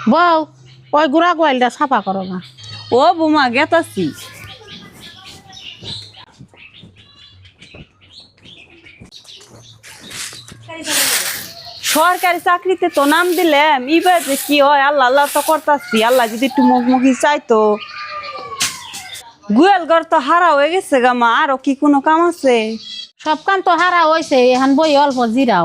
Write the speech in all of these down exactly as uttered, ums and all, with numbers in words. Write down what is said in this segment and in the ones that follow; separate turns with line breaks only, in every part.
বউ ওই গুড়া গোয়ালটা সাফা করো না।
ও বৌমা গেতাছি। সরকারি চাকরিতে তো নাম দিলাম, এবার যে কি হয় আল্লাহ আল্লাহ তো করতাছি। আল্লাহ যদি একটু মুখমুখি চাইতো। গুয়াল ঘর তো হারা হয়ে গেছে গা মা, আরো কি কোনো কাম আছে?
সব কাম তো হারা হয়েছে, এখন বই অল্প জিরাও।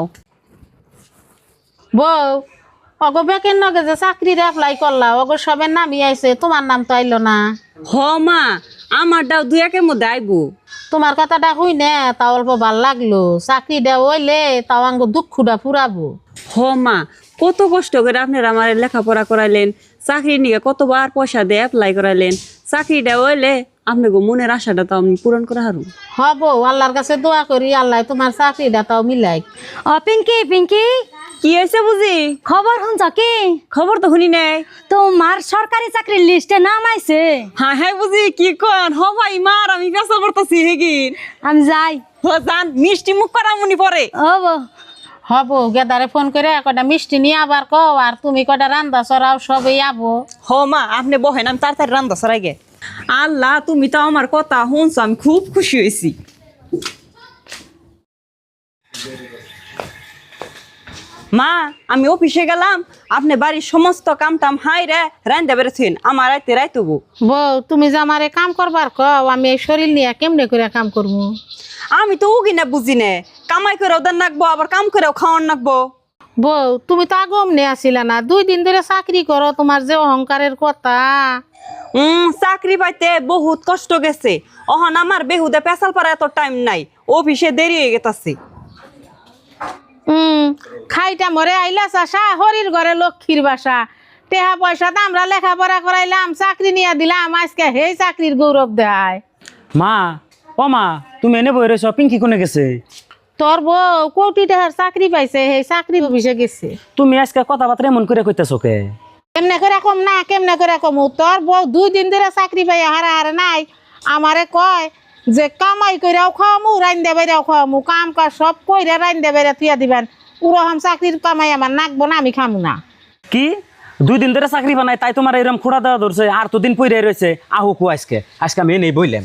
বউ অগো বেকের নগে যে চাকরির এপ্লাই করলা, অগো সবের নামই আইছে, তোমার নাম তো আইলো না।
হ মা, আমারটাও দুই একের মধ্যে আইবো।
তোমার কথাটা হই না, তা অল্প ভাল লাগলো। চাকরিটা হইলে তাও আঙ্গ দুঃখটা ফুরাবো।
হ মা, কত কষ্ট করে আপনারা আমার লেখাপড়া করাইলেন, চাকরি নিয়ে কতবার পয়সা দিয়ে অ্যাপ্লাই করাইলেন। চাকরিটা হইলে আপনাকে মনের আশাটা তো আমি পূরণ করা হারু।
হব, আল্লাহর কাছে দোয়া করি আল্লাহ তোমার চাকরিটা তাও মিলাই।
ও পিঙ্কি পিঙ্কি,
কি হয়েছে বুঝি?
খবর শুনছ কি?
খবর তো শুনি নাই।
তোমার সরকারি চাকরির লিস্টে নাম আইছে।
হ্যাঁ হ্যাঁ বুঝি, কি কন হ ভাই মার, আমি পেশা করতেছি হেগিন।
আমি যাই।
হ জান, মিষ্টি মুখ করা মনি পরে।
ও বো,
হব, গেদারে ফোন করে কটা মিষ্টি নিয়ে আবার কও, আর তুমি কটা রান্দা চড়াও, সবই আবো।
হ মা, আপনি বহেন, আমি তাড়াতাড়ি রান্না সরাই গে। আল্লাহ, তুমি তো আমার কথা শুনছো, আমি খুব খুশি হয়েছি। মা, আমি অফিসে গেলাম, আপনি বাড়ির সমস্ত কাম টাম হাই রে রান্দা বেড়েছেন, আমার রাইতে রাইতবো।
বউ তুমি যে আমারে কাম করবার কও, আমি এই শরীর নিয়ে কেমনে করে কাম করবো?
আমি তো উগি না বুঝি নে, কামাই করেও দেন নাকবো, আবার কাম করেও খাওয়ান নাকবো।
বউ তুমি তো আগম নিয়ে আসিলা না, দুই দিন ধরে চাকরি করো, তোমার যে অহংকারের কথা।
উম চাকরি পাইতে বহুত কষ্ট গেছে, অহন আমার বেহুদে পেশাল পারা এত টাইম নাই, অফিসে দেরি হয়ে গেছে।
হুম, খাইটা মরে আইলা চাষা, হরির ঘরে লক্ষ্মীর বাসা। টেহা পয়সা তো আমরা লেখাপড়া করাইলাম, চাকরি নিয়ে দিলাম, আজকে হেই চাকরির গৌরব দেয়।
মা, ও মা, তুমি এনে বই রয়েছ, পিঙ্কি কোনে গেছে?
তোর বউ কোটি টাকার চাকরি পাইছে, সেই চাকরি অফিসে গেছে।
তুমি আজকে কথাবার্তা এমন করে কইতেছো কে?
কেমনে করে কম না, কেমনে করে কম? তোর বউ দুই দিন ধরে চাকরি পাই হারা হারা নাই, আমারে কয় যে কামাই কইরাও খাওয়ামু, রাইন্দা বেড়াও খাওয়ামু, কাম কাজ সব কইরা রাইন্দা বেড়া তুইয়া দিবেন। উরহম চাকরির কামাই আমার নাকবো না, আমি খামু না।
কি দুই দিন ধরে চাকরি বানাই তাই তোমার এরকম খোড়া দেওয়া ধরছে, আর তো দিন পইরে রয়েছে। আহু কু আজকে আজকে আমি এনেই বইলাম।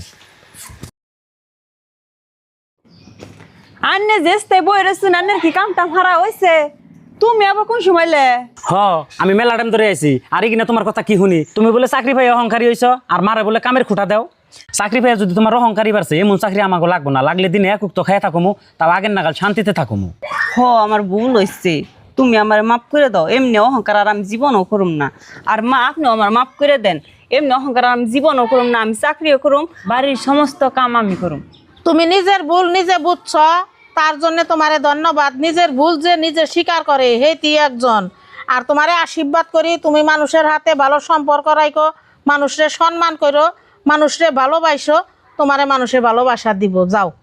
আন্নে যেতে বই রেছুন, আন্নের কি কাম টাম হারা হয়েছে? তুমি আবার কোন সময়লে?
হ, আমি মেলা টাইম ধরে আইছি, আর কিনা তোমার কথা কি শুনি? তুমি বলে চাকরি পাই অহংকারী হইছ, আর মারে বলে কামের খুঁটা দাও। চাকরি পাই যদি তোমার অহংকারী বাড়ছে, এমন চাকরি আমাকে লাগবো না। লাগলে দিনে একক তো খাই থাকুমু, তাও আগের নাগাল শান্তিতে থাকুমু।
হ, আমার ভুল হয়েছে, তুমি আমার মাফ করে দাও। এমনি অহংকার আর আমি জীবনও করুম না। আর মা, আপনিও আমার মাফ করে দেন। এমনি অহংকার আর আমি জীবনও করুম না, আমি চাকরিও করুম, বাড়ির সমস্ত কাম আমি করুম।
তুমি নিজের ভুল নিজে বুঝছ, তার জন্য তোমারে ধন্যবাদ। নিজের ভুল যে নিজে স্বীকার করে হেতি একজন। আর তোমারে আশীর্বাদ করি, তুমি মানুষের হাতে ভালো সম্পর্ক রাখো, মানুষরে সম্মান করো, মানুষরে ভালোবাসো, তোমারে মানুষের ভালোবাসা দিব। যাও।